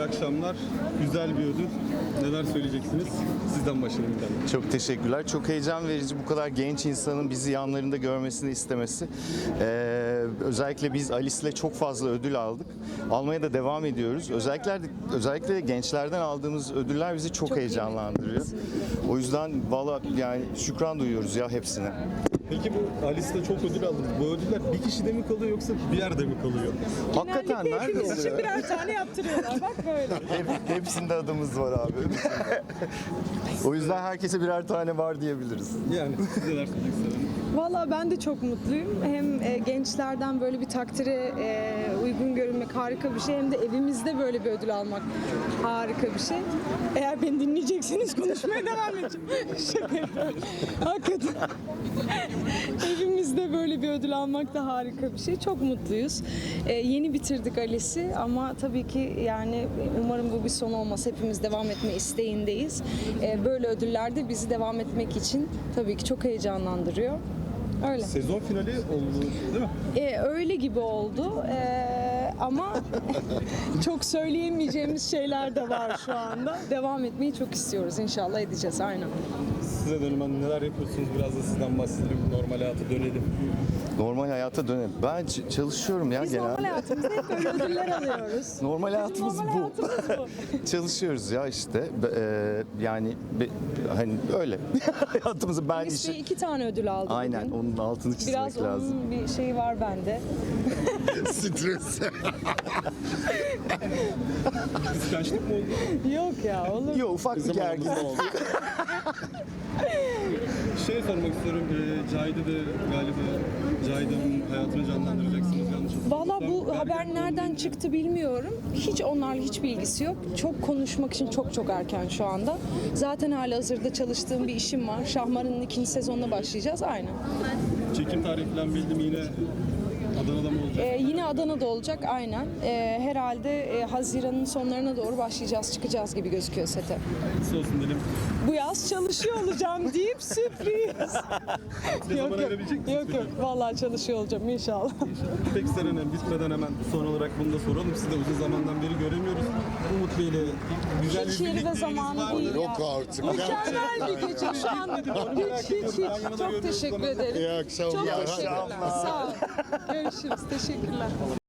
İyi akşamlar. Güzel bir ödül. Neler söyleyeceksiniz? Sizden başlayalım bir tane. Çok teşekkürler. Çok heyecan verici bu kadar genç insanın bizi yanlarında görmesini istemesi. Özellikle biz Alice'le çok fazla ödül aldık. Almaya da devam ediyoruz. Özellikle de gençlerden aldığımız ödüller bizi çok heyecanlandırıyor. O yüzden valla yani şükran duyuyoruz ya hepsine. Peki bu Alice'de çok ödül aldınız. Bu ödüller bir kişide mi kalıyor yoksa bir yerde mi kalıyor? Hakikaten nerede Hepimiz için oluyor? birer tane yaptırıyorlar. Bak böyle. Hepsinde adımız var abi. O yüzden herkese birer tane var diyebiliriz. Yani siz neler söyleyeceksiniz? Valla ben de çok mutluyum. Hem gençlerden böyle bir takdire uygun görünmek harika bir şey. Hem de evimizde böyle bir ödül almak harika bir şey. Eğer beni dinleyecekseniz konuşmaya devam edeceğim. Şaka yapıyorum. Hakikaten. Evimizde böyle bir ödül almak da harika bir şey. Çok mutluyuz. Yeni bitirdik Alice'i ama tabii ki yani umarım bu bir son olmaz. Hepimiz devam etme isteğindeyiz. Böyle ödüller de bizi devam etmek için tabii ki çok heyecanlandırıyor. Öyle. Sezon finali oldu değil mi? Öyle gibi oldu ama çok söyleyemeyeceğimiz şeyler de var şu anda. Devam etmeyi çok istiyoruz. İnşallah edeceğiz. Aynen. Size dönüm neler yapıyorsunuz? Biraz da sizden bahsedelim. Normal hayata dönelim. Normal hayata dönelim. Ben çalışıyorum ya Biz genelde. normal hayatımızda hep böyle ödüller alıyoruz. Normal hayatımız Normal bu. hayatımız bu. Çalışıyoruz ya işte. Yani hani öyle. Hayatımızı ben Alice Bey 2 tane ödül aldı Aynen bugün. onun altını çizmek Biraz lazım. onun bir şeyi var bende. Stres. Kıskançlık mı oldu? Yok ya olur. Yok ufak bir gergin. oldu. Şey sormak istiyorum. Cahide de galiba Cahide'nin hayatını canlandıracaksınız yanlış hatırlamıyorsam. Valla bu haber nereden çıktı bilmiyorum. Hiç onlarla hiçbir ilgisi yok. Çok konuşmak için çok erken şu anda. Zaten halihazırda çalıştığım bir işim var. Şahmar'ın 2. sezonuna başlayacağız. Aynen. Çekim tarihi falan belli mi yine? Adana'da mı olacak? Yine Adana'da olacak aynen. Herhalde Haziran'ın sonlarına doğru başlayacağız, çıkacağız gibi gözüküyor sete. Nasıl olsun dedim. Bu yaz çalışıyor olacağım deyip sürpriz. Ne zaman ayırabilecek misiniz? Yok vallahi çalışıyor olacağım inşallah. Peki Seren Hanım bitmeden hemen son olarak bunu da soralım. Sizi de uzun zamandan beri göremiyoruz. Umut Bey ile güzel bir Hiç yeri ve birlikteliğiniz zamanı var mı? değil ya. Yok artık. Mükemmel bir gece şu an. Hiç. Çok teşekkür ederim. İyi akşamlar. Çok İyi teşekkürler. akşamlar. Sağ ol. Görüşürüz. Teşekkürler.